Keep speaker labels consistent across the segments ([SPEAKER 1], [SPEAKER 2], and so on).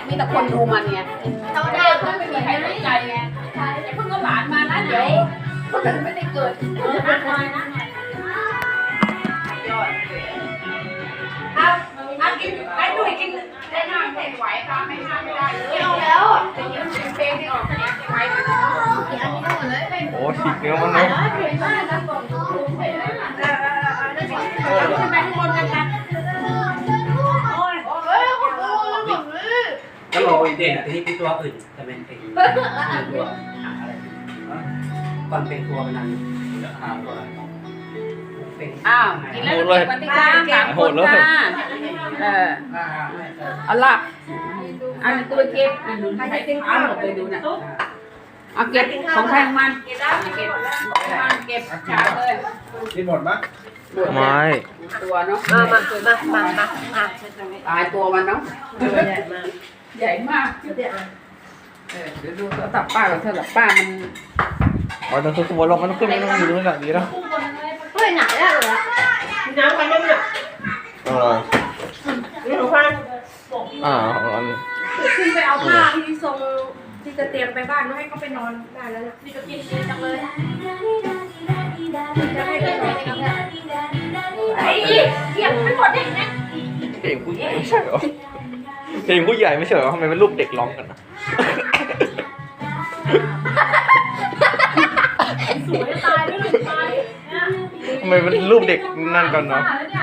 [SPEAKER 1] มีแต่คนดูมันไง
[SPEAKER 2] เขาได้
[SPEAKER 1] ไม่มีใครสนใจไงเพิ่งก็หลานมานะเดี๋ยวคนอื่นไม่ได้เกิดเอากินไอ้ดุยกินได้น้ำเผ็ดไหวตามไม่ห้ามไม่ได้เลย
[SPEAKER 2] เอาแล้วอ่ะ
[SPEAKER 1] จะยืมเพลงที่ออกเสียงไหว
[SPEAKER 3] โอ้ฉีกเนื้อมันเลย
[SPEAKER 1] ขึ้นไปข้างบนกันนะ
[SPEAKER 4] ก็ลงเด่นที่เป็นตัวอื่นจะเป็นเป็นตัวอะไรก่อนเป็นตัวมันนั่นหาตัวเป็น
[SPEAKER 1] อ้าวกินแล้วเก็บปฏิกาเก็บหมดเลยเอาล่ะอันตัวเก็บใครจะกินข้าวหมดเลยดูนะเอาเก็บของใครของมันเก็บเก็บชาเลย
[SPEAKER 5] กินหมดมั้ย
[SPEAKER 3] ไม่
[SPEAKER 1] ตัวเนาะ
[SPEAKER 2] มา
[SPEAKER 1] ตายตัวมันเนาะใหญ่มากเดี๋ยวดูโทรศัพท์ป้ากับโทรศัพท์ป้ามัน
[SPEAKER 3] อ๋อต้องขึ้นบนลงมันต้องขึ้นไม่ต้องอยู่ตรงนี้ดีแล้ว
[SPEAKER 2] เฮ้ยไหนแล้วเหรอน้ำไปยังเนี่ย
[SPEAKER 3] อะไร
[SPEAKER 2] นี่หนูฟัง
[SPEAKER 3] อัน
[SPEAKER 2] ขึ้นไปเอาผ้าที่ทรงที่จะเตรียมไปบ้านให้เขาไปนอนได้แล้วเนี่ยนี่ก็กินดีจังเลยจะให้ไปนอนกันไอ้เกี่ยงไม่หมดได้ไง
[SPEAKER 3] เพลงผู้ใหญ่ไม่ใช่เหรอเพลงผู้ใหญ่ไม่ใช่เหรอทำไมเป็นรูปเด็กร้องกันนะ
[SPEAKER 2] สวยตายด้วยตาย
[SPEAKER 3] ทำไมเป็นรูปเด็กนั่นกันเนาะ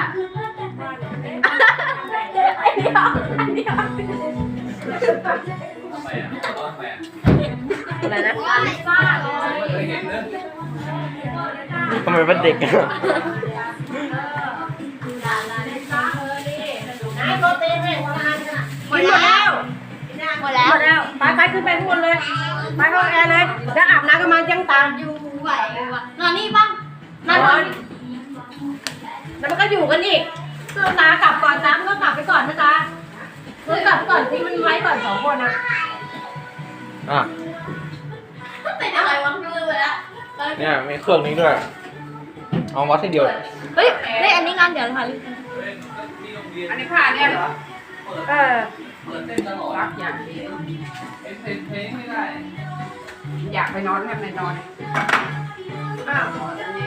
[SPEAKER 2] อะไรนะ
[SPEAKER 3] ทำไมเป็นเด็กอะ
[SPEAKER 2] โรตีให้หมดแล้วหมดแล้วไปขึ้นไปข้างบนเลยไปห้องแอร์เลยแล้วอาบน้ำกันมาจังตามอยู่ไหวนอนนี่บ้างนอนแล้วมันก็อยู่กันอีกเสื้อตากลับก่อนตามก็กลับไปก่อนนะจ๊ะเมื่อกลับก่อนที่มันไว้ก่อน2 คนนะ
[SPEAKER 3] อ่ะ
[SPEAKER 2] เป็นอะไรวะลืมไปแล้ว
[SPEAKER 3] เนี่ยมีเครื่องนี้ด้วยเอาวัดให้เดียว
[SPEAKER 2] เฮ้ยอันนี้งานเดี๋ยวค่ะ
[SPEAKER 1] อันนี้ผ้าเนี่ยเหรอ
[SPEAKER 2] เออ
[SPEAKER 1] รักอย่างนี้อยากไปนอนให้ไปนอนอ้าว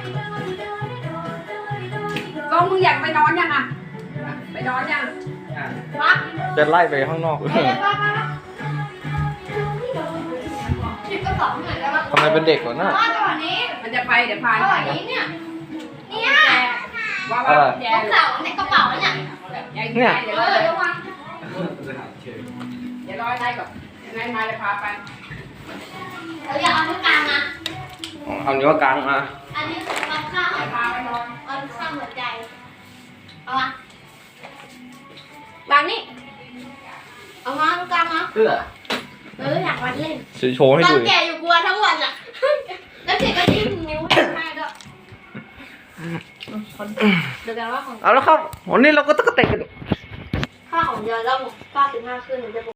[SPEAKER 1] ก็มึงอยากไปนอนยังอ่ะไปนอนยัง
[SPEAKER 3] จะไล่ไปข้างนอก
[SPEAKER 2] หยิบกระเป๋าหน่อยได้ปะ
[SPEAKER 3] ทำไมเป็นเด็กวะน่ะ
[SPEAKER 2] ว่าจังหวะนี้
[SPEAKER 1] มันจะไปเดี๋ยวพา
[SPEAKER 2] จังหวะนี้เนี่ย
[SPEAKER 1] ว่าแย่
[SPEAKER 2] กระเป๋าในกระเป๋าเนี่ย
[SPEAKER 1] เดี๋ยวรอได้ก่อนยังไงมาจะพาไป
[SPEAKER 2] เราอยากเอาที่กลางนะ
[SPEAKER 3] เอานิ้วกลางมา
[SPEAKER 2] อันนี้มันข้าง
[SPEAKER 1] จะพาไปนอน
[SPEAKER 2] มันข้างหัวใจเอามาบางนี่เอามาตรงกลางนะ
[SPEAKER 4] เสื้อ
[SPEAKER 2] อยากวัดเล่น
[SPEAKER 3] โชว์ให้
[SPEAKER 2] ตอ
[SPEAKER 3] ดู
[SPEAKER 2] นแก่อยู่กลัวทั้งวันอ่ะแล้วเด็กก็ยิ้มนิ้วให้ด้วยเดี๋ยวกันว่าของ
[SPEAKER 3] เอาแล้วครับวันนี้เราก็ต้องเตะกัน
[SPEAKER 2] ค่าของเดือนแล้ว95ขึ้นจะ